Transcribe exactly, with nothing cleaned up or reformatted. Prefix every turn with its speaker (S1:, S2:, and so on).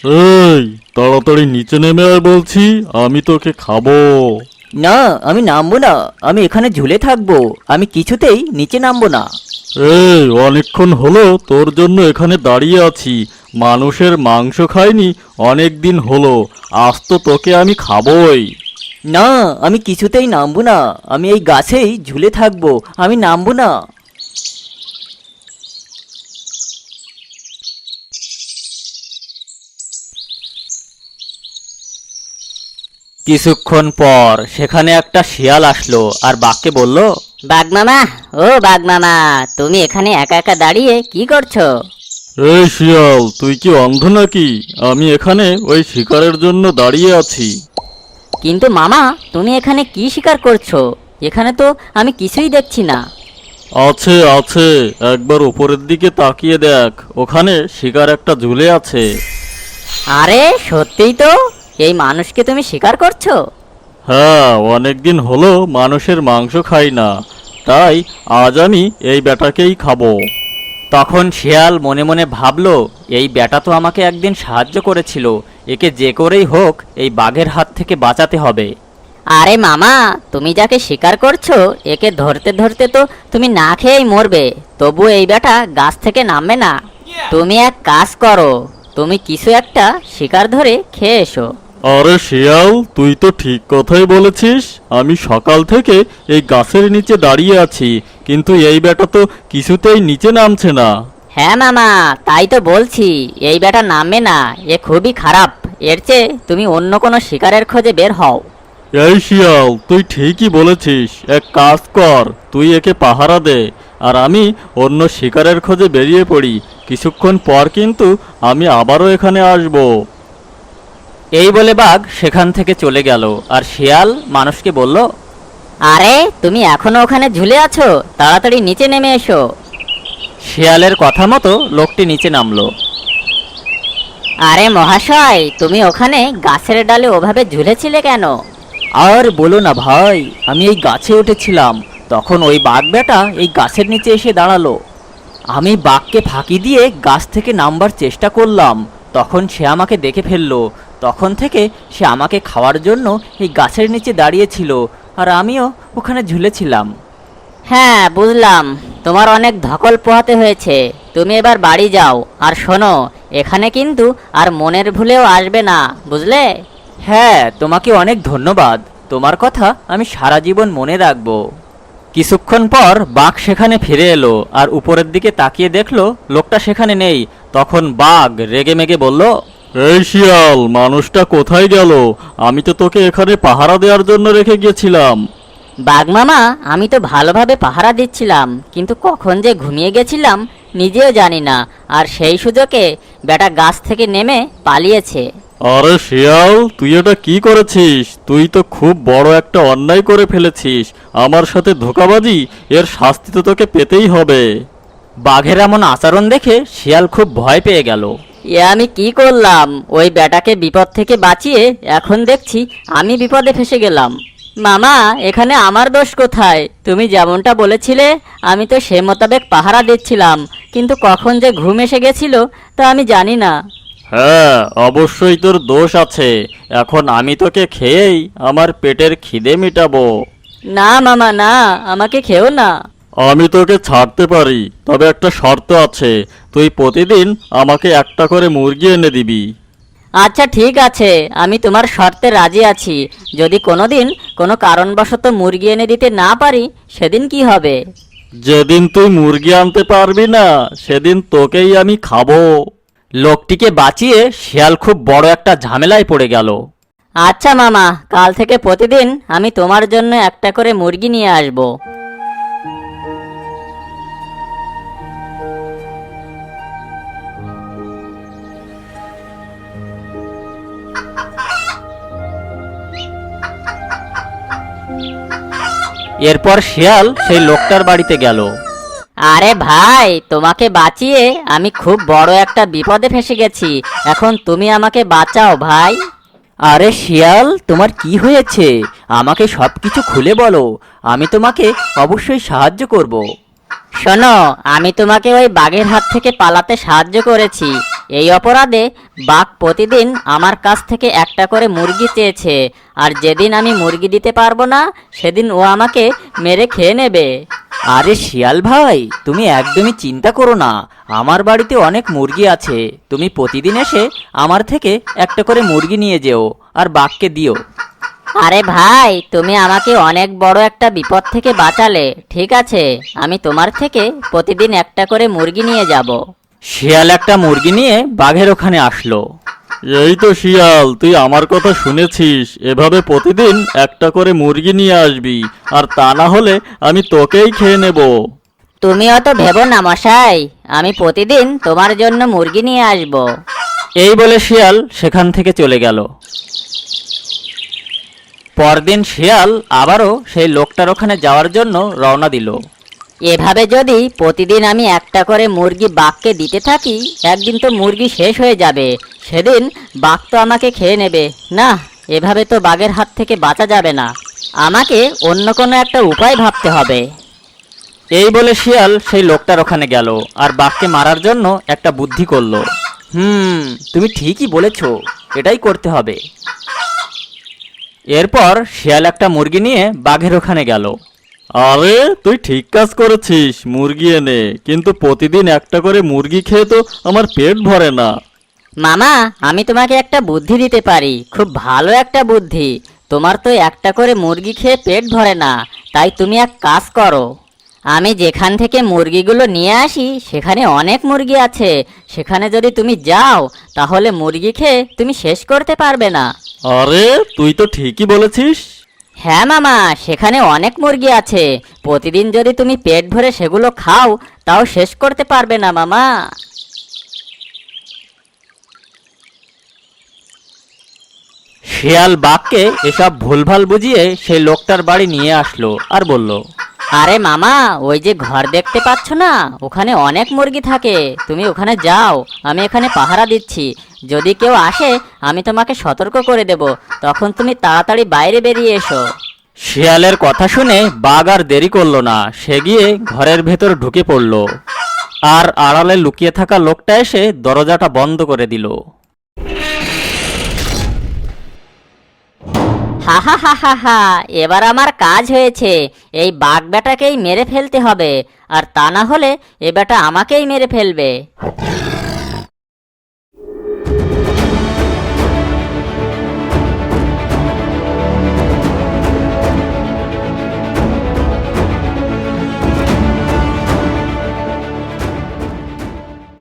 S1: এই, তাড়াতাড়ি নিচে নেমে আয় বলছি, আমি তোকে খাবো।
S2: না, আমি নামবো না। আমি এখানে ঝুলে থাকবো। আমি কিছুতেই নিচে নামবো না।
S1: এই, অনেকক্ষণ হলো তোর জন্য এখানে দাঁড়িয়ে আছি। মানুষের মাংস খাইনি অনেক দিন হলো, আজ তো তোকে আমি খাবোই।
S2: না, আমি কিছুতেই নামবো না। আমি এই গাছেই ঝুলে থাকবো। আমি নামবো না। কিছুক্ষণ পর সেখানে একটা শিয়াল আসলো আর বাঘকে বলল,
S3: বাঘ মামা, ও বাঘ মামা, তুমি এখানে একা একা দাঁড়িয়ে কি করছো?
S1: এই শিয়াল, তুই কি অন্ধ নাকি? আমি এখানে ওই শিকারের জন্য দাঁড়িয়ে আছি।
S3: কিন্তু মামা, তুমি এখানে কি শিকার করছো? এখানে তো আমি কিছুই দেখছি না।
S1: আছে আছে, একবার উপরের দিকে তাকিয়ে দেখ, ওখানে শিকার একটা ঝুলে আছে।
S3: আরে সত্যিই তো, এই মানুষকে তুমি শিকার করছো?
S1: হ্যাঁ, অনেকদিন হলো মানুষের মাংস খাই না, তাই আজ আমি এই বেটাকেই খাবো।
S2: তখন শিয়াল মনে মনে ভাবলো, এই বেটা তো আমাকে একদিন সাহায্য করেছিল, একে যে করেই হোক এই বাঘের হাত থেকে বাঁচাতে হবে।
S3: আরে মামা, তুমি যাকে শিকার করছো একে ধরতে ধরতে তো তুমি না খেয়েই মরবে, তবু এই বেটা গাছ থেকে নামবে না। তুমি এক কাজ করো, তুমি কিছু একটা শিকার ধরে খেয়ে এসো।
S1: আরে শিয়াল, তুই তো ঠিক কথাই বলেছিস। আমি সকাল থেকে এই গাছের নিচে দাঁড়িয়ে আছি, কিন্তু এই বেটা তো কিছুতেই নিচে নামছে না।
S3: হ্যাঁ মামা, তাই তো বলছি, এই বেটা নামবে না, এ খুবই খারাপ। এর চেয়ে তুমি অন্য কোনো শিকারের খোঁজে বের হও।
S1: এই শিয়াল, তুই ঠিকই বলেছিস। এক কাজ কর, তুই একে পাহারা দে, আর আমি অন্য শিকারের খোঁজে বেরিয়ে পড়ি। কিছুক্ষণ পর কিন্তু আমি আবারও এখানে আসব।
S2: এই বলে বাঘ সেখান থেকে চলে গেল আর শিয়াল মানুষকে বলল,
S3: আরে তুমি এখনো ওখানে ঝুলে আছো, তাড়াতাড়ি নিচে নেমে এসো।
S2: শিয়ালের কথা মতো লোকটি নিচে নামলো।
S3: আরে মহাশয়, তুমি ওখানে গাছের ডালে ওভাবে ঝুলেছিলে কেন?
S2: আর বলো না ভাই, আমি এই গাছে উঠেছিলাম, তখন ওই বাঘ বেটা এই গাছের নিচে এসে দাঁড়ালো। আমি বাঘকে ফাঁকি দিয়ে গাছ থেকে নামবার চেষ্টা করলাম, তখন সে আমাকে দেখে ফেললো। তখন থেকে সে আমাকে খাওয়ার জন্য এই গাছের নিচে দাঁড়িয়েছিল, আর আমিও ওখানে ঝুলেছিলাম।
S3: হ্যাঁ বুঝলাম, তোমার অনেক ধকল পোহাতে হয়েছে। তুমি এবার বাড়ি যাও, আর শোনো, এখানে কিন্তু আর মনের ভুলেও আসবে না, বুঝলে?
S2: হ্যাঁ, তোমাকে অনেক ধন্যবাদ। তোমার কথা আমি সারা জীবন মনে রাখবো। কিছুক্ষণ পর বাঘ সেখানে ফিরে এলো আর উপরের দিকে তাকিয়ে দেখলো লোকটা সেখানে নেই। তখন বাঘ রেগে মেগে বলল,
S1: এই শিয়াল, মানুষটা কোথায় গেল? আমি তো তোকে এখানে পাহারা দেওয়ার জন্য রেখে গিয়েছিলাম।
S3: বাঘ মামা, আমি তো ভালোভাবে পাহারা দিচ্ছিলাম, কিন্তু কখন যে ঘুমিয়ে গেছিলাম নিজেও জানি না, আর সেই সুযোগে বেটা গাছ থেকে নেমে পালিয়েছে।
S1: আরে শিয়াল, তুই এটা কি করেছিস? তুই তো খুব বড় একটা অন্যায় করে ফেলেছিস। আমার সাথে ধোঁকাবাজি, এর শাস্তি তো তোকে পেতেই হবে।
S2: বাঘের এমন আচরণ দেখে শিয়াল খুব ভয় পেয়ে গেল।
S3: এ আমি কি করলাম? ওই বেটাকে বিপদ থেকে বাঁচিয়ে এখন দেখছি আমি বিপদে ফেসে গেলাম। মামা, এখানে আমার দোষ কোথায়? তুমি যেমনটা বলেছিলে আমি তো সে মোতাবেক পাহারা দিচ্ছিলাম, কিন্তু কখন যে ঘুম এসে গেছিল তা আমি জানি না।
S1: হ্যাঁ, অবশ্যই তোর দোষ আছে। এখন আমি তোকে খেয়েই আমার পেটের খিদে মিটাবো।
S3: না মামা, না, আমাকে খেও না।
S1: আমি তোকে ছাড়তে পারি, তবে একটা শর্ত আছে। তুই প্রতিদিন আমাকে একটা করে মুরগি এনে দিবি।
S3: আচ্ছা ঠিক আছে, আমি তোমার শর্তে রাজি আছি। যদি কোনোদিন কোনো কারণবশত মুরগি এনে দিতে না পারি, সেদিন কি হবে?
S1: যেদিন তুই মুরগি আনতে পারবি না, সেদিন তোকেই আমি খাবো।
S2: লোকটিকে বাঁচিয়ে শিয়াল খুব বড় একটা ঝামেলায় পড়ে গেল।
S3: আচ্ছা মামা, কাল থেকে প্রতিদিন আমি তোমার জন্য একটা করে মুরগি নিয়ে আসব।
S2: এরপর শিয়াল সেই লোকটার বাড়িতে গেল।
S3: আরে ভাই, তোমাকে বাঁচিয়ে আমি খুব বড় একটা বিপদে ফেসে গেছি, এখন তুমি আমাকে বাঁচাও ভাই।
S2: আরে শিয়াল, তোমার কি হয়েছে? আমাকে সব কিছু খুলে বলো, আমি তোমাকে অবশ্যই সাহায্য করব।
S3: শোনো, আমি তোমাকে ওই বাঘের হাত থেকে পালাতে সাহায্য করেছি, এই অপরাধে বাঘ প্রতিদিন আমার কাছ থেকে একটা করে মুরগি চেয়েছে, আর যেদিন আমি মুরগি দিতে পারবো না সেদিন ও আমাকে মেরে খেয়ে নেবে।
S2: আরে শিয়াল ভাই, তুমি একদমই চিন্তা করো না, আমার বাড়িতে অনেক মুরগি আছে। তুমি প্রতিদিন এসে আমার থেকে একটা করে মুরগি নিয়ে যেও আর বাঘকে দিও।
S3: আরে ভাই, তুমি আমাকে অনেক বড় একটা বিপদ থেকে বাঁচালে। ঠিক আছে, আমি তোমার থেকে প্রতিদিন একটা করে মুরগি নিয়ে যাব।
S2: শিয়াল একটা মুরগি নিয়ে বাঘের ওখানে আসলো।
S1: এই তো শিয়াল, তুই আমার কথা শুনেছিস, এভাবে প্রতিদিন একটা করে মুরগি নিয়ে আসবি, আর তা না হলে আমি তোকেই খেয়ে নেব।
S3: তুমি অত ভেবো না মশাই, আমি প্রতিদিন তোমার জন্য মুরগি নিয়ে আসব।
S2: এই বলে শিয়াল সেখান থেকে চলে গেল। পরদিন শিয়াল আবারও সেই লোকটার ওখানে যাওয়ার জন্য রওনা দিল।
S3: এভাবে যদি প্রতিদিন আমি একটা করে মুরগি বাঘকে দিতে থাকি, একদিন তো মুরগি শেষ হয়ে যাবে, সেদিন বাঘ তো আমাকে খেয়ে নেবে। না, এভাবে তো বাঘের হাত থেকে বাঁচা যাবে না, আমাকে অন্য কোনো একটা উপায় ভাবতে হবে।
S2: এই বলে শিয়াল সেই লোকটার ওখানে গেল আর বাঘকে মারার জন্য একটা বুদ্ধি করলো। হুম, তুমি ঠিকই বলেছো, এটাই করতে হবে। এরপর শিয়াল একটা মুরগি নিয়ে বাঘের ওখানে গেল।
S1: আরে তুই ঠিক কাজ করেছিস, মুরগি এনে, কিন্তু প্রতিদিন একটা করে মুরগি খেয়ে তো আমার পেট ভরে না।
S3: মামা, আমি তোমাকে একটা বুদ্ধি দিতে পারি, খুব ভালো একটা বুদ্ধি। তোমার তো একটা করে মুরগি খেয়ে পেট ভরে না, তাই তুমি এক কাজ করো। আমি যেখান থেকে মুরগিগুলো নিয়ে আসি সেখানে অনেক মুরগি আছে, সেখানে যদি তুমি যাও তাহলে মুরগি খেয়ে তুমি শেষ করতে পারবে না।
S1: আরে তুই তো ঠিকই বলেছিস।
S3: হ্যাঁ মামা, সেখানে অনেক মুরগি আছে, প্রতিদিন যদি তুমি পেট ভরে সেগুলো খাও তাও শেষ করতে পারবে না মামা।
S2: শিয়াল বাঘকে এসব ভুলভাল বুঝিয়ে সেই লোকটার বাড়ি নিয়ে আসলো আর বলল,
S3: আরে মামা, ওই যে ঘর দেখতে পাচ্ছ না, ওখানে অনেক মুরগি থাকে, তুমি ওখানে যাও, আমি এখানে পাহারা দিচ্ছি। যদি কেউ আসে আমি তোমাকে সতর্ক করে দেব, তখন তুমি তাড়াতাড়ি বাইরে বেরিয়ে এসো।
S2: শিয়ালের কথা শুনে বাঘ আর দেরি করলো না, সে গিয়ে ঘরের ভেতর ঢুকে পড়ল আর আড়ালে লুকিয়ে থাকা লোকটা এসে দরজাটা বন্ধ করে দিল।
S3: হা হা হা হা হা, এবার আমার কাজ হয়েছে। এই বাঘ বেটাকেই মেরে ফেলতে হবে, আর তা না হলে এ বেটা আমাকেই মেরে ফেলবে।